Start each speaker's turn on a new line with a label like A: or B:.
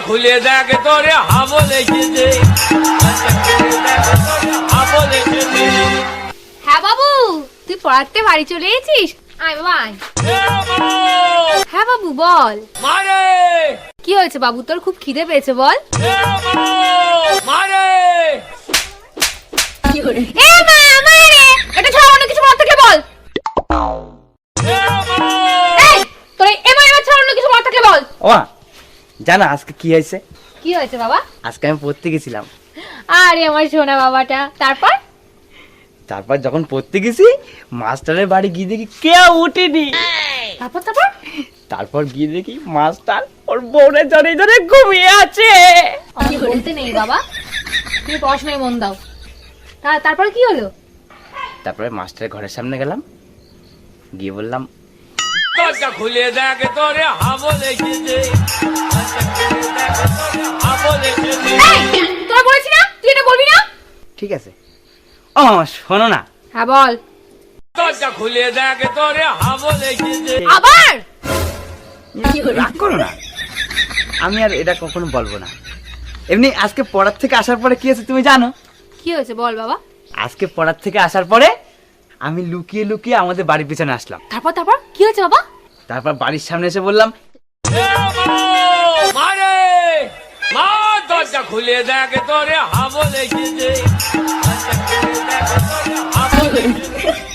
A: খুলে দেখ তোরে হাবল এসেছে।
B: হ্যাঁ বাবু, তুই পড়াতে বাড়ি চলে এসেছিস? আয় বাবা আয়। হ্যাঁ বাবু বল।
A: মারে
B: কি হয়েছে বাবু, তোর খুব খিদে পেয়েছে বল।
A: মারে
B: এ মা মারে, এটা ছাড়া অন্য কিছু মনে থাকলে বল। এই তোর এ মা এবার ছাড়া অন্য কিছু মনে থাকলে বল।
C: ও জানা আজকে কি হয়েছে?
B: কি হয়েছে বাবা?
C: আজকে আমি পড়তে গেছিলাম।
B: আরে আমার সোনা বাবাটা।
C: তারপর যখন পড়তে গেছি মাস্টারের বাড়ি গিয়ে দেখি কেউ উঠেনি।
B: তারপর
C: তারপর গিয়ে দেখি মাস্টার ওর বউরে জড়ে জড়ে ঘুমিয়ে আছে।
B: আমি বলতে নেই বাবা, তুমি পড়াশোনায় মন দাও। তারপর কি হলো?
C: তারপরে মাস্টারের ঘরের সামনে গেলাম, গিয়ে বললাম
A: দরজা খুলে দেখ তোরে হাবল এসেছে। হাবল এসেছে।
B: তোরা বলেছি না তুই এটা বলবি না।
C: ঠিক আছে। ও শোনো না।
B: হ্যাঁ বল।
A: দরজা খুলে দেখ তোরে হাবল এসেছে।
B: আবার
C: রাগ করো না, আমি আর এটা কখনো বলবো না। এমনি আজকে পড়ার থেকে আসার পরে কি হয়েছে তুমি জানো?
B: কি হয়েছে বল বাবা।
C: আজকে পড়ার থেকে আসার পরে আমি লুকিয়ে লুকিয়ে আমাদের বাড়ির পিছনে আসলাম।
B: তারপর কি হয়েছে বাবা?
C: তারপর বাড়ির সামনে এসে বললাম
A: মারে মা, দরজা খুলে দেখ তোরে হাবল এসেছে। হাবল এসেছে।